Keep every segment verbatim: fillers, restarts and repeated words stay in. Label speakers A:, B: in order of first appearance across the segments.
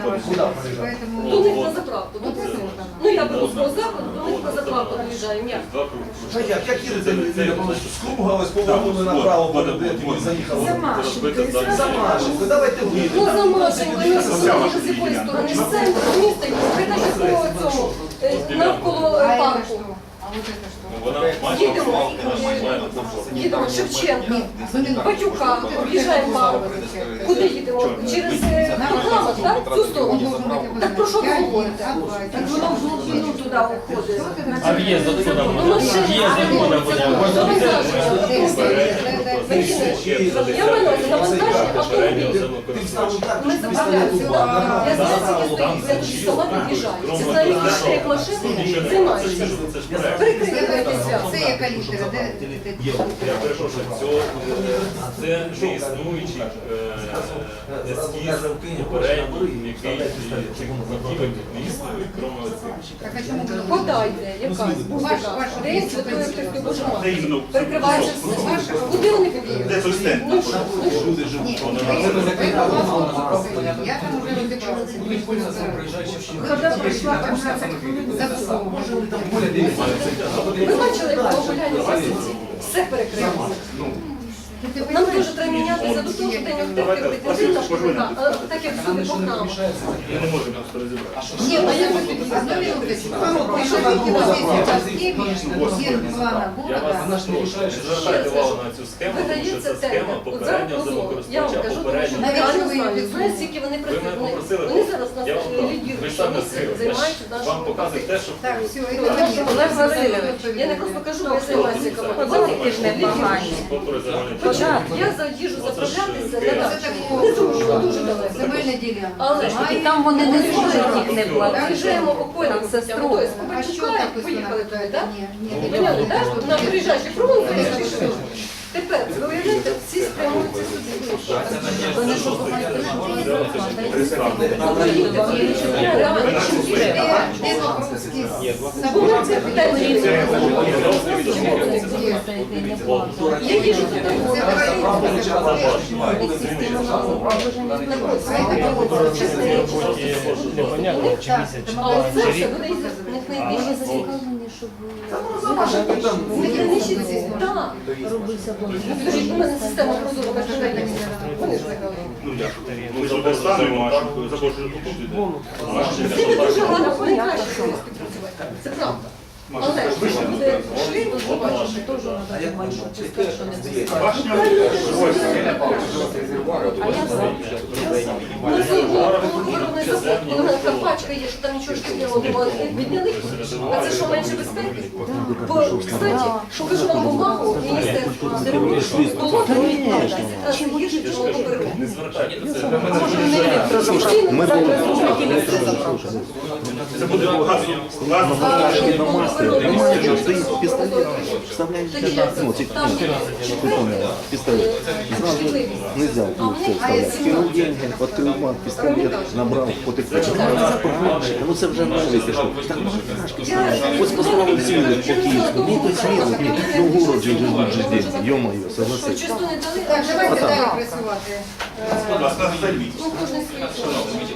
A: До них на заправку. Ну я беру свого закладу, до них на заправку доїжджаємо. Як?
B: А як? Як їдете? Скругались, повернули направо, потім заїхали. За Машеньку. Давайте ви.
A: Ну за Машенькою, ну з якої сторони? З центру міста, притаки по цьому, навколо парку. Їдемо, їдемо Шевченка, Батюка, в'їжджаємо парк. Куди їдемо? Через Парламент, так? Цю сторону. Так про що ви говорите? Так воно в глибину туди входить.
C: А в'їзд отсюда буде?
A: Ну, машина.
C: В'їзд откуда буде?
A: Я маю на навантаження автомобілів. Ми заправляємося. Я знаю, скільки стоїть, я тут сама під'їжджаю. Це знаю, як машин займаються. Прикрикуєтеся.
D: Це яка літера? Де?
E: Я перепрошую, це не існуючий ескіз попередній, який закінчив місто, крім цих.
D: Так, а чому ви
A: Вода йде, якась.
D: Ваш, ваш,
A: День Святої Христової Божої.
F: Де іменно?
A: Перекривається все. Куди вони під'їдуть?
F: Де той стенд?
A: Ну що? Ну що?
B: Люди живуть.
D: Ні, я там уже розібралася.
A: Коли прийшла п'ятнадцять хвилин,
D: Забула.
A: ви бачили, як було гуляння в Васильці? Все перекрилося. Нам дуже треба мінятися до того, що день активки робити. Не день шкурника, а так як всюди по храмах.
E: Ми не можемо просто розібратися.
D: Ні, а як ви під'їздите? Одну минуточку. Якщо тільки у вас є участки, є плана
E: Я вас
D: города,
E: звертайте увагу на цю схему, тому що
A: Видається
E: це схема
A: тендер. От зараз
E: попереднього
A: прозоро. Я вам
E: землекористувача,
A: кажу, тому що
E: попереднього.
A: я
D: Навіщо
A: не
D: ви її
A: знаю.
D: підсунули?
A: Знаєте, скільки вони
E: Ви мене
A: працюють.
E: попросили,
A: Вони зараз нас
E: я вам кажу, ви
A: лідірують,
E: ж
A: що
E: самі
A: ми
E: сили,
A: займаються
E: вам
A: нашою
E: показують те, що
D: так, все, і
A: Олег Васильович, я не просто кажу, бо я займаюся економікою.
E: ж не погані.
A: Хоча я за їжу заправлятися не так. Не дуже, дуже далеко.
D: земельна ділянка.
A: Але ж
D: Має-
A: там вони не зможуть їх не
D: Так,
A: платити. Приїжджаємо
D: так,
A: окольним
D: це
A: путем.
D: строго.
A: Тобто,
D: А що
A: Побачука,
D: так
A: поїхали туди, так?
D: Ні, ні,
A: Поняли, так? На
D: ні.
A: приїжджаючи фронт, тепер, ви уявляєте, всі спрямуються сюди. Вони що,
D: Де Покровський
A: Це питання. Я їжу туди.
C: Непонятно, чи місяць,
A: А оце все буде із них найбільше зацікавлені, щоб виграничити. Так. Скажіть, у мене система прозоро международна. Вони ж загали.
F: Ну як? Ми ж перестанемо, так? Запрошую тут іде.
A: Це дуже гарно, вони краще з ними співпрацювати. Це правда. Але ж буде шлейф, то побачиш, теж треба
F: Башня.
A: Ну, це виробний завод, коли в мене така пачка є, що там нічого шкідливого немає, відняли. А це що, менше безпеки? Бо, кстати, покажу вам бумагу міністерства здоров'я, що було відкладається. Раз гірше, чим воно попереду.
E: не звертайтеся.
A: Ми
F: Це буде газу. Газу.
G: Стоит пистолет, вставляешь ну, пистолет. Сразу нельзя вставлять. Кинул деньги, открыл банк, пистолет, набрал, потыкнул. Заправщика, ну це вже новий пішов. Так машки ось поставили цілих по Київську. Ну то сміло, ну в городі вже дуже день. Йо-моє, согласись.
A: Чисто не дали.
D: Так, давайте далі працювати.
F: Будь ласка, займіть.
A: Ну, кожен свій.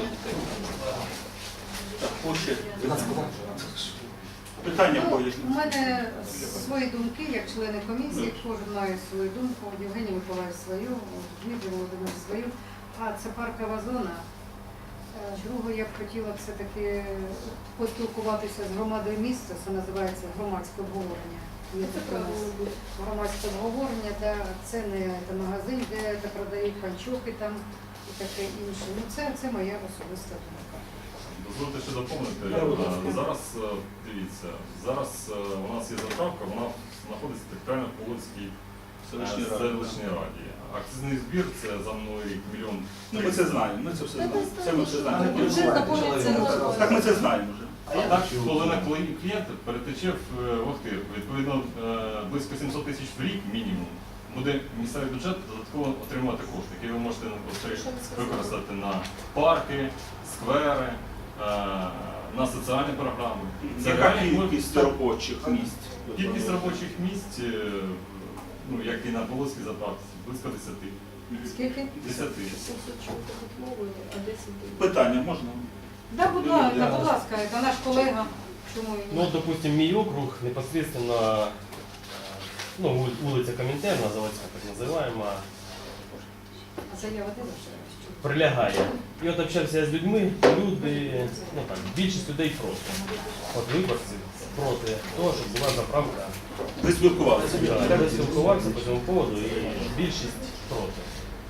F: Питання
D: Ну,
F: поїздні.
D: у мене свої думки, як члени комісії, кожен має свою думку, Євгеній Миколаївич свою, Дмитрий Володимирович свою. А це паркова зона. Е, Друге, я б хотіла все-таки поспілкуватися з громадою міста, це називається громадське обговорення. Є таке у нас громадське обговорення, де це не це магазин, де це продають панчохи там і таке інше. Ну це, це моя особиста думка.
E: Дозвольте ще доповнити. Зараз, дивіться, зараз у нас є заправка, вона знаходиться в територіально-польській селищній раді. Акцизний збір – це за мною рік мільйон.
F: Ну ми це знаємо, ми це все знаємо. Це ми все знаємо.
A: Бюджет наповнюється на
F: Так ми це знаємо вже.
E: А так, коли на клієнт перетече в Охтирку, відповідно близько сімсот тисяч в рік мінімум, буде місцевий бюджет додатково отримувати кошти, які ви можете використати на парки, сквери, на соціальні програми.
F: Яка кількість робочих місць?
E: Кількість робочих місць, ну, як і на Полоцькій заправці, близько десяти.
D: Скільки?
E: десять тисяч.
A: сімсот чого-то відмовили, а десять тисяч.
F: Питання можна?
D: Да, будь ласка, будь ласка, це наш колега. Чому і
C: Ну,
D: ні?
C: вот, допустим, мій округ непосредственно, э, ну, ули- улица Коминтерна, заводская так называемая,
D: А заява де ваша?
C: прилягає. І от общався з людьми, люди, ну так, більшість людей проти. От виборці проти того, щоб була заправка.
F: Ви спілкувалися?
C: Да, я спілкувався по цьому поводу і більшість проти.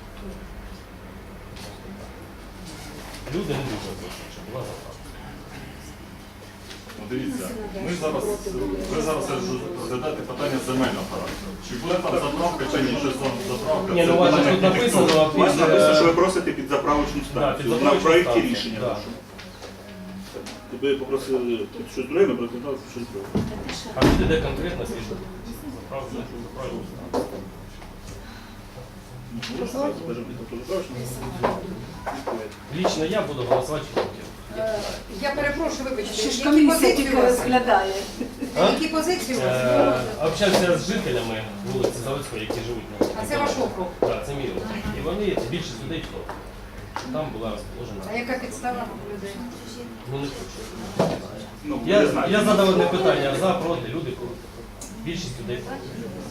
C: Люди не дуже хочуть, щоб була заправка.
E: Ну, дивіться, ми зараз, ви зараз розглядаєте питання земельного характеру. Чи буде там заправка, чи ні, що там заправка?
C: Ні, ну,
E: це
C: у вас же
E: питання
C: тут написано,
E: архітектури.
F: У вас
C: під,
F: написано, що ви
C: е,
F: просите під заправочну
C: Да,
F: станцію.
C: під
F: На
C: заправочну
F: проєкті
C: станцію,
F: рішення
C: да.
F: вашого. Ви попросили під щось друге, ми прокидали щось друге.
C: А люди де конкретно слідують? Заправка, заправка. Лично я буду голосувати проти.
D: Я перепрошую, вибачте,
H: Ще ж
D: які
H: комісія
D: позиції
H: тільки
D: у вас?
H: розглядає.
C: А?
D: Які позиції у вас?
C: Е, Общався з жителями вулиці Заводської, які живуть на
D: А це ваш округ?
C: Так, це мій округ. І вони, більшість людей проти. Там була
D: А
C: розположена.
D: яка підстава людей?
C: Ну не хочу.
F: Ну,
C: Я,
F: ви знаєте.
C: я задав одне питання, за, проти, люди проти. Більшість людей проти.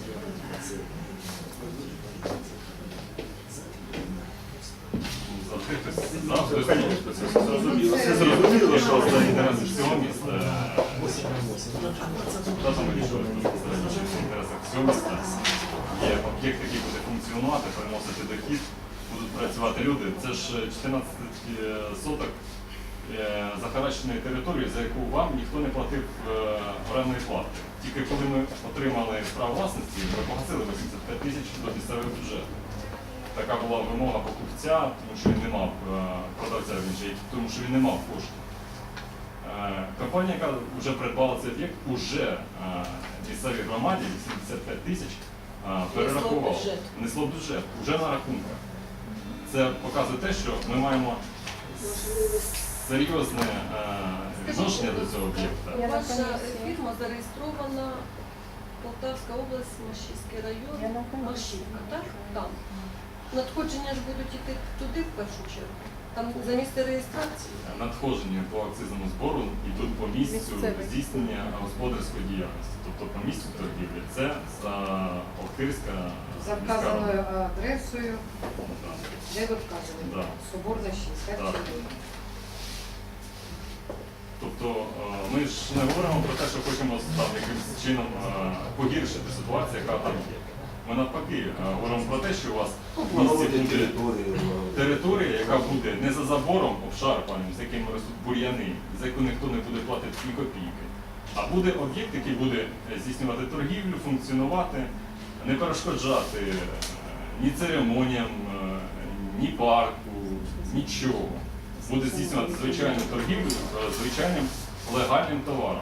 E: Завжди хтось завжди
F: Конечно, це зрозуміло.
D: Це
F: Це зрозуміло,
E: що
F: що
E: за інтереси всього міста. Та там вирішує в інтересах всього міста. Є об'єкт, який буде функціонувати, приносити дохід, будуть працювати люди. Це ж чотирнадцять соток е, захаращеної території, за яку вам ніхто не платив е, орендної плати. Тільки коли ми отримали право власності, ми погасили вісімдесят п'ять тисяч до місцевого бюджету. Така була вимога покупця, тому що він не мав е, продавця, він же, тому що він не мав коштів. Е, Компанія, яка вже придбала цей об'єкт, уже е, місцевій громаді вісімдесят п'ять тисяч е, перерахувала.
A: бюджет.
E: Несло в бюджет, вже на рахунках. Це показує те, що ми маємо серйозне е, відношення до цього об'єкта.
A: Ваша фірма зареєстрована Полтавська область, Машівський район, Машівка, так? Там. Надходження ж будуть йти туди в першу чергу. Там за місце реєстрації.
E: Надходження по акцизному збору йдуть по місцю
A: Місцевий.
E: здійснення господарської діяльності. Тобто по місцю торгівлі. Це за Охтирська
D: За
E: міська рада.
D: вказаною адресою,
E: Да.
D: де ви вказали?
E: Да.
D: Соборна шість, так?
E: Так. Тобто е, ми ж не говоримо про те, що хочемо там якимось чином е, погіршити ситуацію, яка там є. Ми навпаки е, говоримо про те, що у вас в місті буде територія, яка буде не за забором обшарпаним, з якими ростуть бур'яни, за яку ніхто не буде платити ні копійки, а буде об'єкт, який буде здійснювати торгівлю, функціонувати, не перешкоджати е, ні церемоніям, е, ні парку, нічого. Буде здійснювати звичайну торгівлю е, звичайним легальним товаром.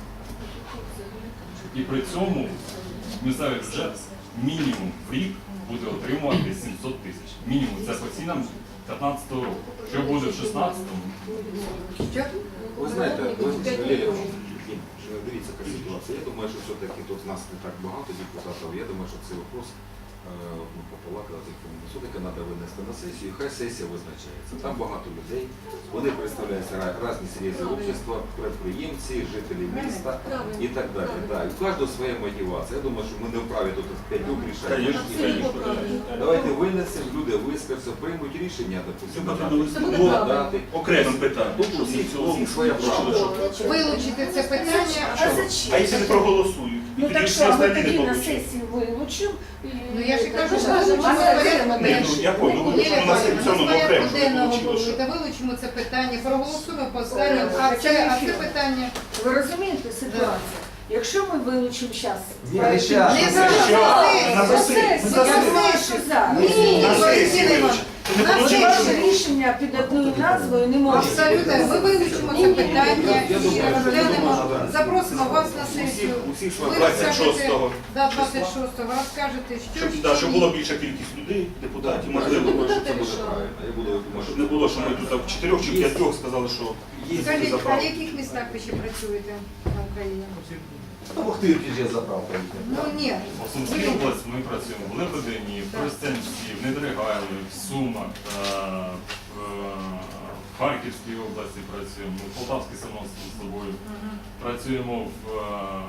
E: І при цьому місцевий бюджет мінімум в рік буде отримувати сімсот тисяч. Мінімум, це по цінам п'ятнадцятого року. Що буде в шістнадцятому?
D: Що?
I: Ви знаєте, ви Лілія, дивіться, яка ситуація. Я думаю, що все-таки тут нас не так багато депутатів. Я думаю, що цей вопрос ну, пополакати, все-таки треба винести на сесію, хай сесія визначається. Там багато людей, вони представляються різні серйозні общества, підприємці, жителі міста і так далі. Да. І у кожного своя мотивація. Я думаю, що ми не вправі тут п'ять років рішати. Давайте винесемо, люди вискажуться, приймуть рішення, допустимо, дати.
F: Окремим питанням.
I: Тут у всіх, у всіх своя правда.
D: Вилучити це питання.
H: А зачем?
F: А якщо не проголосують?
H: Ну
F: І
H: так
F: тоді
H: що,
F: всі
H: ми
F: остальні
H: тоді
F: не
H: на
F: получать.
H: сесію вилучимо.
D: Ну я ж і кажу, що
A: Ми
D: ми
A: ж
D: порядку
F: Ні, ну, я понял, ну,
D: Лілія
F: у нас
D: Павлівна,
F: все одно
D: ми з
F: окремо,
D: порядку
F: щоб
D: денного
F: вилучили, що.
D: та вилучимо це питання, проголосуємо по останньому, а це, а це питання.
H: Ви розумієте ситуацію? Якщо ми вилучимо зараз,
B: Ні, не щас.
D: Не
B: Це
D: зараз,
F: що?
D: на
F: На
D: сесію.
F: сесії.
D: На
H: я думаю,
D: сесію.
H: що зараз.
D: Ні,
F: На сесії
D: Валентина Івановна,
F: вилучити. Ти не
D: на
F: получиш?
H: Ваше
D: сесію.
H: рішення під одною назвою не може.
D: Абсолютно, ми вилучимо це питання
I: Я
D: і
I: думаю, що
D: розглянемо,
I: це можна, да.
D: запросимо вас на
I: Усіх,
D: сесію.
I: усіх
D: Ви
I: своя
F: двадцять шостого.
D: Да, двадцять шостого розкажете, що
F: Щоб,
D: ще
F: да, щоб
D: ні.
F: була більша кількість людей, депутатів,
I: Я
F: можливо.
I: думаю, що це буде правильно. Я буду, думаю,
F: Щоб не було, що ми тут в чотирьох чи п'ятьох сказали, що
I: Є
D: Скажіть, а в
F: заправка.
D: яких містах ви ще працюєте? Україні.
B: Ну, в Охтирці ж є заправка.
D: Ну ні.
E: По Сумській області ми працюємо в Лебедині, в Тростянці, в Недригайлі, в Сумах, е, в е, Харківській області працюємо, в Полтавській само з собою. Працюємо в, е,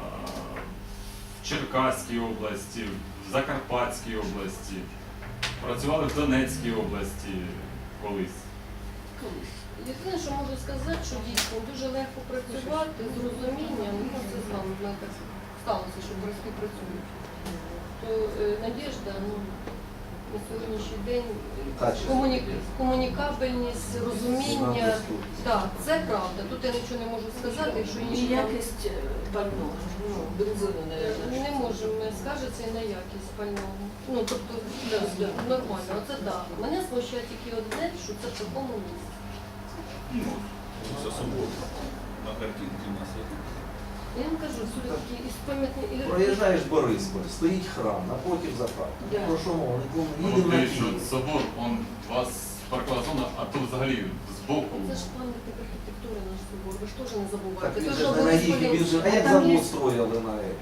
E: в Черкаській області, в Закарпатській області, працювали в Донецькій області колись.
A: Єдине, що можу сказати, що дійсно дуже легко працювати з розумінням, ну це з вами в мене так сталося, що борські працюють. То е, Надєжда, ну, на сьогоднішній день
B: Качество.
A: комуні... комунікабельність, розуміння, так, це правда. Тут я нічого не можу сказати, якщо
H: І
A: інші там
H: якість е, пального, ну, бензину, мабуть.
A: не можемо скажеться і на якість пального. Ну, тобто, да, да, нормально, оце так. Мене смущає тільки одне, що це в такому місці.
F: Ну, це субота. На картинці у нас є.
A: Я вам кажу, все-таки із пам'ятні і
B: Проїжджаєш Борисполь, стоїть храм, напротив заправка.
H: Да.
B: Про що мова?
E: Ну,
B: Їдемо на
E: дивіться,
B: Київ.
E: собор, он у вас паркова зона, а тут взагалі збоку.
A: це ж пам'ятник архітектури наш собор, ви ж теж не
B: Так
A: забувайте.
B: він
A: Це
B: же
A: ж
B: ж не на їх, він же, а як
H: Там є-
B: завод строїли на це?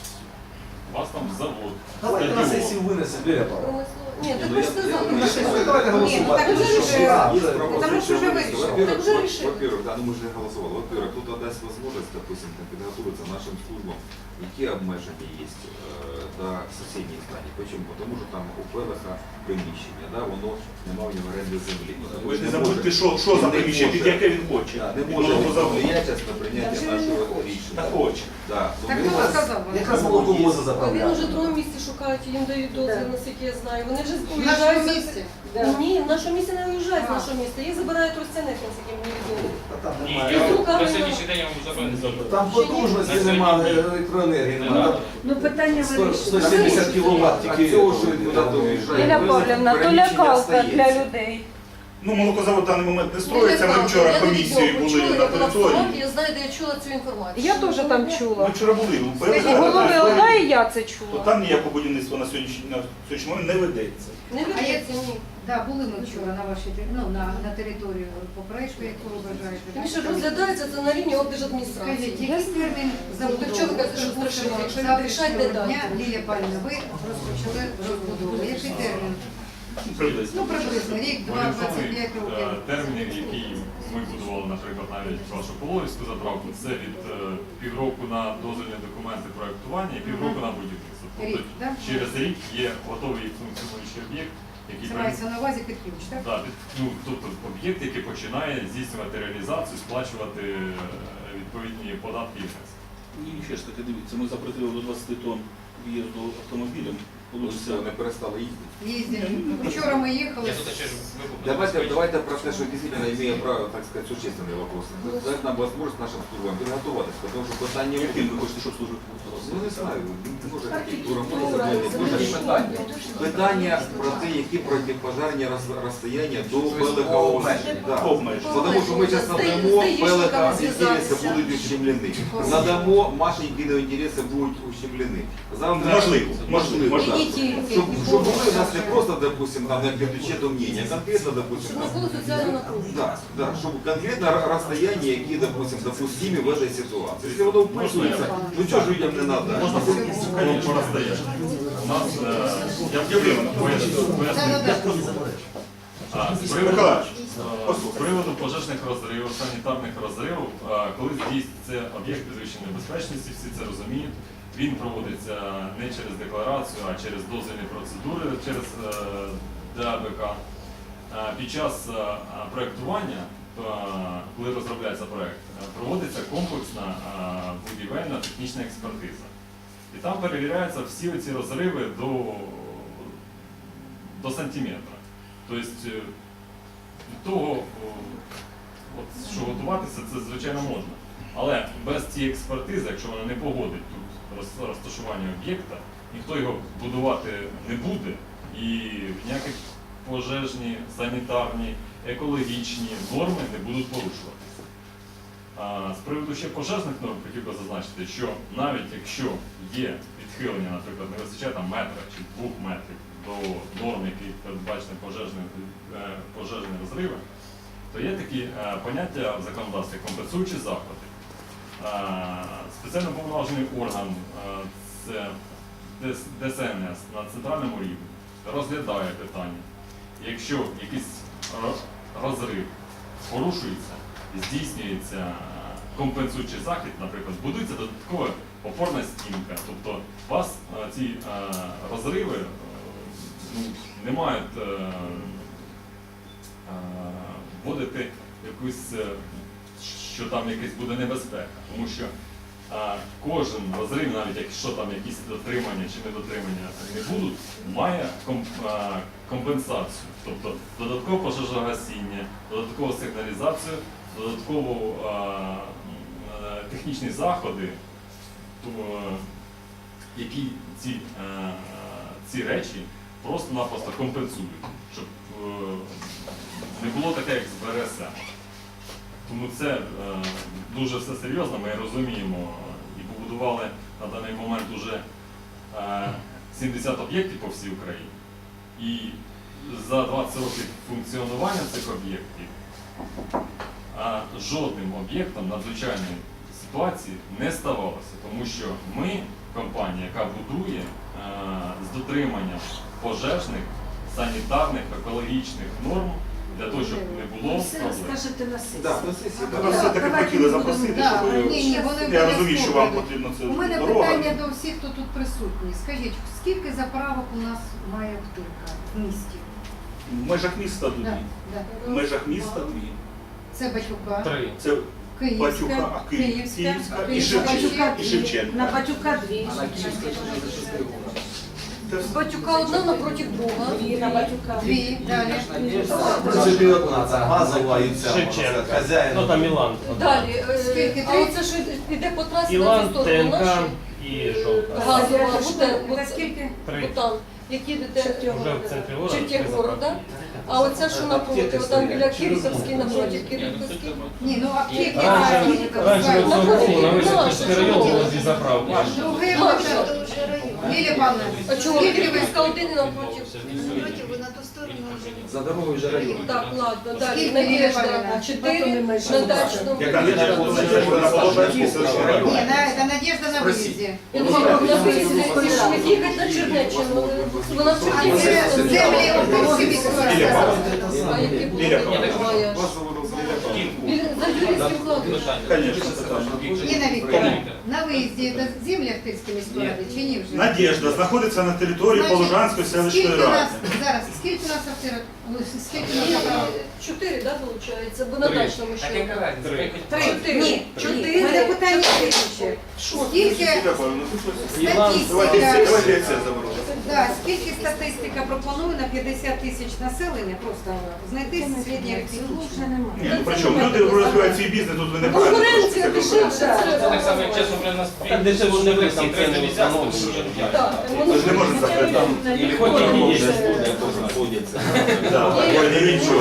E: У вас там завод.
B: Давайте на
E: стадіон.
B: сесію винесе, Віра Павловна.
A: Промислово. Ні, так
I: Ну,
A: ви
I: я-
A: ж сказали.
I: я-
A: ви
I: я-
A: ж
I: я-
A: сказали.
B: Давайте
D: Ні,
B: голосувати.
D: так вже рішили.
B: А,
I: Есть
B: це-
I: пропозиция
D: Потому что уже
I: вынести.
D: вышел.
I: Во-первых,
A: Так уже
I: во-
A: решили.
I: во-первых, да, ну мы же не голосовали. Во-первых, тут дасть возможность, допустим, там, підготуватися нашим службам, які обмеження є е, до сусідніх станів. Чому? Тому що там у ПВХ приміщення, да, воно немає в нього оренди землі.
F: Ви ж не забудьте, що, що за приміщення, під яке він хоче.
I: Да, не
F: Під
I: може
F: нового заводу.
I: повлияти на прийняття
H: Та вже він
I: нашого
H: не хоче.
I: рішення.
F: Та хоче.
I: Да. Ну,
D: Так
I: ми
D: хто
I: вас-
D: сказав?
B: Якраз молоко воза
A: А він
B: заправляє.
A: уже в другому місці шукають, їм дають дозвіл,
H: Да.
A: наскільки я знаю. Вони вже
D: В нашому
A: уїжджають.
D: місці.
H: Да.
A: Ні, в нашому місці не уїжджають з
D: А.
A: нашого міста. Їх забирають Тростянець, наскільки мені відомо.
B: Та там
J: Ні,
B: немає.
J: я
A: І друга
J: на
A: війна.
J: сьогоднішній день я можу забрати.
B: Там потужності немає електроенергії, немає.
H: Ну, питання
B: Сто-
H: вирішено.
B: сто сімдесят кіловат
I: А
B: тільки.
I: цього, що він куди-то уїжджає,
K: Ліля
I: ви-
K: Павлівна, то
I: приміщення
K: лякалка для
I: остається.
K: людей.
F: Ну, молокозавод в даний момент не строїться. Ми вчора комісією були на території.
A: Я знаю, де я чула цю інформацію.
K: Я теж там
F: Ми
K: чула.
F: вчора були. У
K: І
F: ПВХ
K: голови ОДА, і я це
F: то
K: чула.
F: там ніякого будівництва на сьогоднішній на сьогоднішній момент не ведеться.
A: Не ведеться, ні.
D: Да, були ми вчора на вашій тер- ну, на, на територію поперечку, яку ви бажаєте.
A: Тому що розглядається це на рівні облдержадміністрації.
D: Скажіть, який термін забудови?
A: Якщо ви кажете, що страшно, якщо він рішать, не
D: Завтрашнього дня,
A: дати.
D: Лілія Павлівна, ви розпочали розбудову. Який термін?
F: Приблизно.
D: Ну, приблизно рік, два, двадцять
E: Орієнтовний
D: п'ять років.
E: е, термін, який ми будували, наприклад, навіть вашу Пологівську заправку, це від е, півроку на дозвільні документи проектування і півроку на будівництво. Тобто
D: Рік, так?
E: через рік є готовий функціонуючий об'єкт, який
D: Це
E: при-
D: мається на увазі під ключ, так?
E: Да, під- ну, тобто об'єкт, який починає здійснювати реалізацію, сплачувати е, відповідні податки і внески.
F: І ще ж таки, дивіться, ми запретили до двадцять тонн в'їзду автомобілем.
I: Ну, все, вони перестали їздити.
D: Їздили. Вчора ми їхали.
J: Я тут ще ж викупив.
I: Давайте, давайте про те, что действительно имеем право, так сказать, существенные вопросы. Дать нам возможность нашим службам підготуватися, потому що питання
F: Яким ви хочете, щоб служити?
I: Ну не знаю, може архітектура, може земельні, дуже ж питання. Питання про те, які протипожарні роз- розстояння до Белика
F: Обмеження.
I: Да.
F: Обмеження.
I: Потому що ми зараз надамо, Белика інтереси будуть ущемлені. Надамо, Машенькіни інтереси будуть ущемлені. Завтра,
F: Можливо, можливо, можливо.
I: Щоб, щоб були у нас не просто, допустим, там, як ключе до мнення, а конкретно, допустим,
A: Щоб не
I: там,
A: було соціального напруження.
I: да, да, чтобы конкретно р- расстояние, які, допустим, допустимы в этой ситуации. Если воно вписується, ну чого ж людям не надо?
E: Можна по розстоянню. У нас, е, я
F: Юрій,
E: поясню, поясню. А, з приводу,
F: Миколаївич,
E: е, з приводу пожежних розривів, санітарних розривів, е, коли здійснюється об'єкт підвищеної безпечності, всі це розуміють. Він проводиться не через декларацію, а через дозвільні процедури, через е, ДАБК. Е, Під час е, проєктування, е, коли розробляється проєкт, е, проводиться комплексна е, будівельна технічна експертиза. І там перевіряються всі оці розриви до, до сантиметра. Тобто е, від того, о, от, що готуватися, це звичайно можна. Але без цієї експертизи, якщо вона не погодить тут роз- розташування об'єкта, ніхто його будувати не буде і ніякі пожежні, санітарні, екологічні норми не будуть порушуватися. А, з приводу ще пожежних норм хотів би зазначити, що навіть якщо є відхилення, наприклад, не вистачає там метра чи двох метрів до норм, які передбачені пожежні, е, пожежні розриви, то є такі е, поняття в законодавстві компенсуючі заходи. спеціально повноважений орган, е, це Д С Н С на центральному рівні, розглядає питання. Якщо якийсь ро- розрив порушується, здійснюється компенсуючий захід, наприклад, будується додаткова опорна стінка. Тобто у вас е, ці е, розриви е, ну, не мають е, е, вводити якусь, е, що там якась буде небезпека. Тому що е, кожен розрив, навіть якщо там якісь дотримання чи недотримання не будуть, має ком, е, компенсацію. Тобто додаткове пожежогасіння, додаткову сигналізацію, додатково е, е, технічні заходи, то, е, які ці, е, ці речі просто-напросто компенсують, щоб е, не було таке, як з Б Р С М. Тому це е, дуже все серйозно, ми розуміємо і побудували на даний момент уже е, сімдесят об'єктів по всій Україні. І за двадцять років функціонування цих об'єктів а жодним об'єктом надзвичайної ситуації не ставалося, тому що ми, компанія, яка будує е, з дотриманням пожежних, санітарних, екологічних норм, для того, щоб не було
H: Все
E: проблем.
H: розкажете на сесії.
F: Так, на сесії.
D: Да,
F: Нас все-таки
D: давайте
F: хотіли
D: будемо-
F: запросити,
D: да,
F: щоб
D: ні, ні, вони
F: я
D: мене
F: розумію, що вам
D: слухали.
F: потрібно це
D: У мене
F: дорога.
D: питання до всіх, хто тут присутній. Скажіть, скільки заправок у нас має втирка в місті?
F: В межах міста дві.
D: Да,
F: В
D: да.
F: межах міста дві.
D: Це Батюка,
C: Три.
F: Це
D: Київська,
F: Батюка, а Київ-
D: Київська,
F: Київська і
D: Київська,
F: Шевченка. І Шевченка.
H: На Батюка дві.
F: Це все.
A: Батюка одна напроти друга.
H: Дві на Батюка.
D: Дві, далі.
B: В принципі, одна, це газова і ця.
C: Шевченка.
B: Хазяїн.
C: Ну там Ілан.
A: Далі, е,
D: Скільки?
A: а оце що йде по трасі на
C: Ілан,
A: цю сторону
C: ТНК
A: наші?
C: і Жовта.
A: Газова,
H: Це
A: буде,
H: Це скільки?
C: Три.
A: Бутан, які йдете
C: Вже в центрі города.
A: Чертєх города. А оця що напроти, там біля Кириховській, напроти Кириховській.
D: Ні, ну аптеки.
C: Раніше, раніше в цьому році на весь
A: Ну,
C: Київський район було дві заправки.
D: Другий
A: Ну,
D: випадок. Лілія Павловна,
A: А чого
D: скільки ви
A: Кириховська один і напроти?
I: За дорогою вже район.
A: Так, ладно, далі.
D: Скільки
A: Надежда
D: Лілія
A: чотири, на дачному.
F: Яка Надежда? Надежда на Положенській селищній
D: Ні,
F: раді.
D: на, це Надежда на виїзді.
A: Я думала, на виїзді пішли їхати на Чернеччину. Вона в
D: А
A: Чернівці.
D: це землі Опольської міської
F: Лілія
D: ради.
F: Павлівна.
A: А які були?
F: Біля
A: Моя. Біля- За юрійським кладом.
F: Звісно, це так.
D: Ніна Вікторівна, на виїзді це землі Охтирської міської ради чи ні вже?
F: Надежда знаходиться на території
D: Значить,
F: Положанської селищної
D: скільки у нас,
F: ради.
D: зараз, скільки у нас Охтирок? Ну, скільки у нас
A: Ні,
D: заправок?
A: Чотири, так, виходить? Бо на дачному ще.
C: Три.
A: Чотири.
D: Ні,
A: Чотири.
D: У мене питання слідче. Скільки
F: Лілія Павлівна, ну, тут ось-
C: Ілан,
F: Давайте це,
D: статистика,
F: давайте це заберемо.
D: да, скільки статистика пропонує на п'ятдесят тисяч населення просто знайти середньоарифметичне?
F: Ні, ну при чому? Люди розвивають свій бізнес, тут ви не правильно.
A: Конкуренція дешевше.
J: Це так само, як чесно, при нас
C: Так дешевше не ви, там
J: три
C: ціни
J: місяці, тому
C: встановлюють.
J: що
A: Так,
F: Ви ж не можете закрити там.
C: І хоч і є.
F: Да, такое не нічого.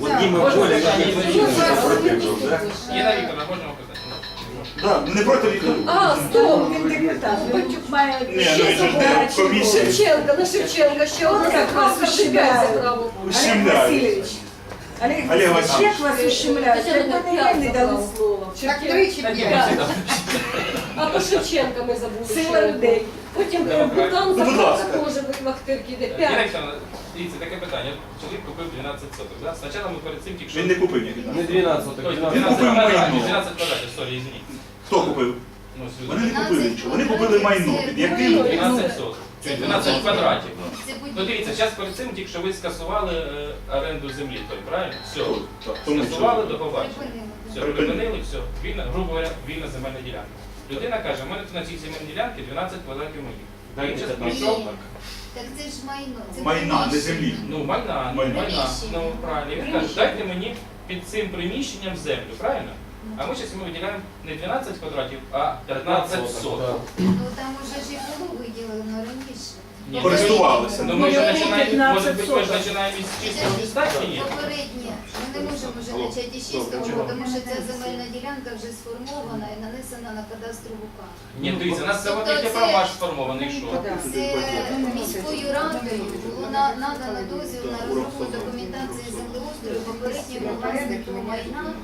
J: Єна Вікторовна, можна вам питати?
F: Да, ну не проти вікна.
A: А, стоп!
H: Він депутат. Батюк має
F: Ні, ну він же ж не в комісії.
A: Шевченка, на Шевченка, ще одна заправка, ще п'ять заправок.
H: Олег
F: Ущемляють.
H: Васильович. Олег
F: Олег
H: Васильович,
F: Васильович.
H: як вас ущемляють?
A: Тетяна,
H: Це не
A: п'ять
H: ви не дали
A: заправок.
H: слово.
D: Так три чи п'ять?
A: А по Шевченка ми забули.
H: Сила
A: ще.
H: людей.
A: Потім
J: Демократія.
A: Бутан
F: Ну, будь
A: заправка
F: ласка.
A: теж в Ахтирки йде.
J: Єна
A: П'ять.
J: Вікторовна, дивіться, таке питання. Чоловік купив дванадцять соток. Да? Спочатку ми перед цим тільки що...
F: Він не купив ніяк.
C: Не дванадцять,
J: Тобто
C: так
J: дванадцять
F: купив майно.
J: квадратів, дванадцять квадратів, сорі, извините.
F: Хто купив?
J: Ну, сюди.
F: Вони не купили нічого. Вони купили майно. Під яким?
J: дванадцять соток. Чуть, дванадцять квадратів. Ну дивіться, зараз перед цим тільки що ви скасували е, оренду землі, той, правильно? Все.
F: Так, тому що-
J: Скасували, до побачення. Все,
F: Припинили.
J: припинили, все. Вільна, грубо говоря, вільна земельна ділянка. Людина каже, у мене тут на цій земельній ділянці дванадцять квадратів моїх. Він зараз прийшов,
K: Так це ж майно. Це
F: Майна, не землі.
J: ну майна, ну
F: Майна.
J: майна, ну правильно. І він каже, дайте мені під цим приміщенням землю, правильно? А ми зараз йому виділяємо не дванадцять квадратів, а п'ятнадцять соток.
K: Ну там уже ж і було виділено раніше.
J: Ні,
F: Користувалися.
J: Ну ми ж
H: Ну,
J: починаємо, може
H: п'ятнадцять
J: бути, ми ж
H: соток.
J: починаємо із чистого листа чи ні?
K: Попереднє. Ми не можемо вже почати із чистого, тому що ця земельна ділянка вже сформована і нанесена на кадастрову карту.
J: Ні, дивіться, у нас
K: Тобто
J: завод є
K: це-
J: промаш сформований, що?
K: Це міською радою було на- надано дозвіл на розробку документації землеустрою попередньому власнику майна,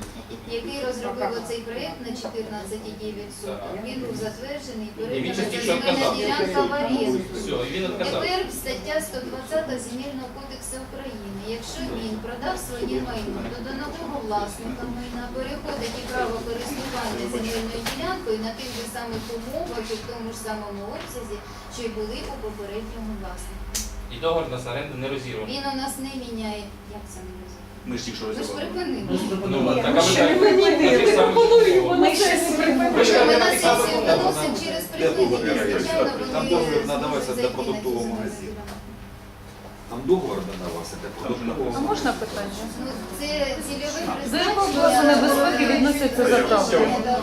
K: який розробив оцей проєкт на чотирнадцять цілих дев'ять сотих. Він був затверджений,
J: І він
K: передана
J: частіше
K: земельна
J: відказав.
K: ділянка в оренду.
J: Все, і він відказав.
K: Тепер стаття сто двадцята Земельного кодексу України. Якщо він продав своє майно, то до нового власника майна переходить і право користування земельною ділянкою на тих же самих умовах і в тому ж самому обсязі, що й були у попередньому власнику.
J: І договір на оренду не розірваний.
K: Він у нас не міняє. Як це не розуміє?
F: Ми ж тільки що
K: Ми ж
F: розібрали.
K: припинили.
J: Ну,
H: Ні,
J: так,
H: ми
J: а ви
H: ще
J: так-
H: не припинили.
J: на тих самих
A: Пропонуємо
J: умовах.
H: Ми ще не
J: Ви ж
K: Ми
J: кажете,
K: на
J: так само
K: сесію
J: умови.
K: виносимо через припинення, звичайно,
I: Там
K: вони
I: договір
K: зможуть
I: надавався для
K: зайти на цю
I: продуктового
K: земельну
I: магазину.
K: ділянку.
I: Там договор надавався для продуктового
H: А можна питання?
K: Ну, це цільове
H: До якого класу небезпеки відносяться заправки?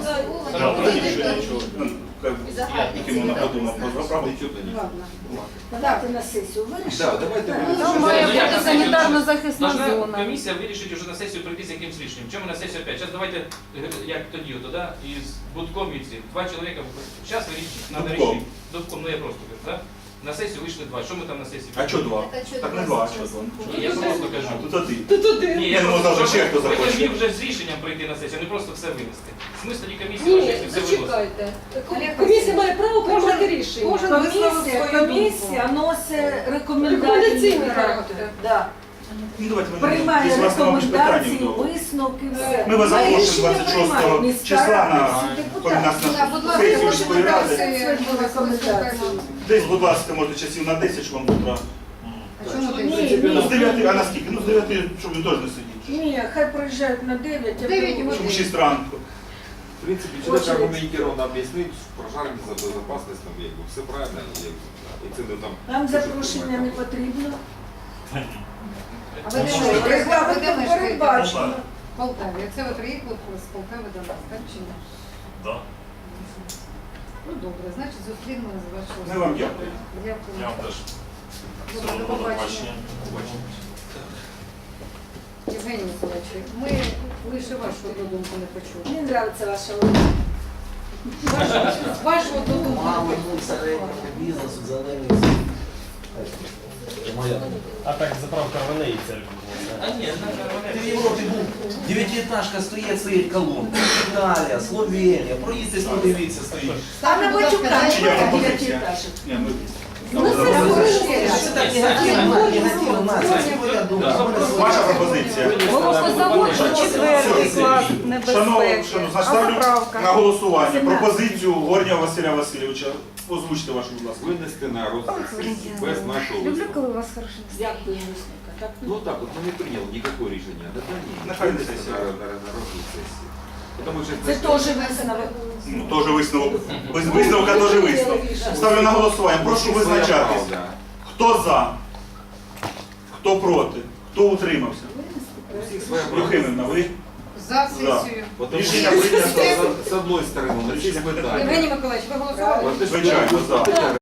F: Тільки можна подумати про заправку.
H: Ладно. Подати на сесію. Вирішили?
I: Так, давайте
H: Там
I: вирішимо.
H: має
J: Ну, я
H: бути
J: на сесію
H: санітарно-захисна
J: Должна
H: зона.
J: комісія вирішить уже на сесію прийти з якимсь рішенням. Чому на сесію опять? Зараз давайте, е, як тоді, ото, да? із Будком і ці. Два чоловіка. Зараз вирішить, треба
F: Дубком.
J: рішити. Дубком, ну я просто кажу, так? На сесію вийшли два. Що ми там на сесії?
F: А чого два?
K: Так, а чого
F: Так не
K: два
F: два, а
K: зараз?
F: чого два?
J: Ні, я просто кажу.
F: Тут один.
J: Ні,
F: Я думав, завтра ще хто
J: ви
F: захоче.
J: повинні вже з рішенням прийти на сесію, а не просто все винести. Смисл тоді комісії на
A: Ні,
J: сесію все виносити.
A: зачекайте.
D: Олег
A: Комісія має право приймати
H: Кожен-
A: рішення.
D: Кожен висловив
H: Комісія,
D: свою
H: комісія носить рекомендації.
A: Рекомендаційний характер.
H: Да.
F: Ну давайте ми
H: Приймає
F: якщо у вас нема більш
H: рекомендації,
F: питань, то
H: висновки, все.
F: ми вас
H: Має
F: запрошуємо
H: рішення
F: двадцять шостого
H: приймає міська
F: числа
H: рада,
F: на
H: всі
F: коли нас
H: депутати.
D: Да, будь
F: на
D: ласка,
F: сесію
D: можемо
F: міської ради.
D: дати рекомендації.
F: Десь, будь ласка, може часів на десять, щоб вам з утра.
D: А чому ти?
H: Ні,
F: Ну, з
H: ні,
F: дев'яти, а на скільки? Ну, з дев'яти, щоб він теж не сидів.
H: ні, хай приїжджають на дев'ять. а
D: Дев'ять
H: потім-
F: Щоб у шість ранку.
I: В принципе, человек аргументированно объяснить, пожарная безопасность, там, як би, все правильно, як би, і це не там...
H: Нам запрошення не потрібно.
D: А ви де
F: Можна.
D: мешкаєте? Ви де
H: Регламентом
D: мешкаєте?
H: передбачено.
D: В Полтаві. Це ви приїхали з Полтави до нас, так чи ні?
E: Да.
D: Ну добре, значить зустрінемося з вашого.
F: Ми вам дякуємо.
D: Дякую.
E: Я вам теж.
D: Добре,
E: Всього
D: до
E: доброго,
D: побачення.
E: побачення.
D: Євгеній Миколаївич, ми лише вашу одну думку не почули.
H: Мені подобається ваша логіка.
D: Вашу- Вашу одну думку не
G: Мало
D: почули.
G: середнього бізнесу, зелений. Моя.
C: А так заправка в неї церкви була.
J: А ні, на
G: Ти в Європі був, дев'ятиэтажка стоїть, стоїть колонка. Італія, Словенія, проїдьтесь, подивіться, стоїть.
H: А на Батюка
F: Чи є
H: немає
F: пропозиція?
H: дев'ятиэтажок.
F: Ні, ми...
A: Ну, це все.
G: Це так негативно, негативно нація. Моя думка.
F: Ваша пропозиція.
H: Молокозавод, четвертий клас,
F: Шановні,
H: небезпеки.
F: шановні,
H: А
F: ставлю
H: заправка?
F: на голосування
H: сімнадцять.
F: пропозицію Горнього Василя Васильовича. Озвучте вашу, будь ласка.
I: Винести на розгляд сесії без нашого
H: Люблю,
I: висновку.
H: коли у вас хороше. Дякую, Люсника. Так,
I: Ну так, от ми не прийняли ніякого рішення. Да, да, ні.
F: Нехай не
I: Винести
F: сесія.
I: на, на, на розгляд сесії. Тому що
H: це теж висновок.
F: Ну, теж висновок. Без висновка теж висновок. Ставлю на голосування. Прошу визначатись. Хто за? Хто проти? Хто утримався?
I: У всіх своя правда.
F: Юхимівна, ви?
D: За сесію.
I: Потому
F: Рішення
I: що
F: прийнято.
I: з одної сторони, на ці питання.
D: Євгеній Миколаївич, ви голосували?
I: От ти ж
F: Звичайно, за.
I: питання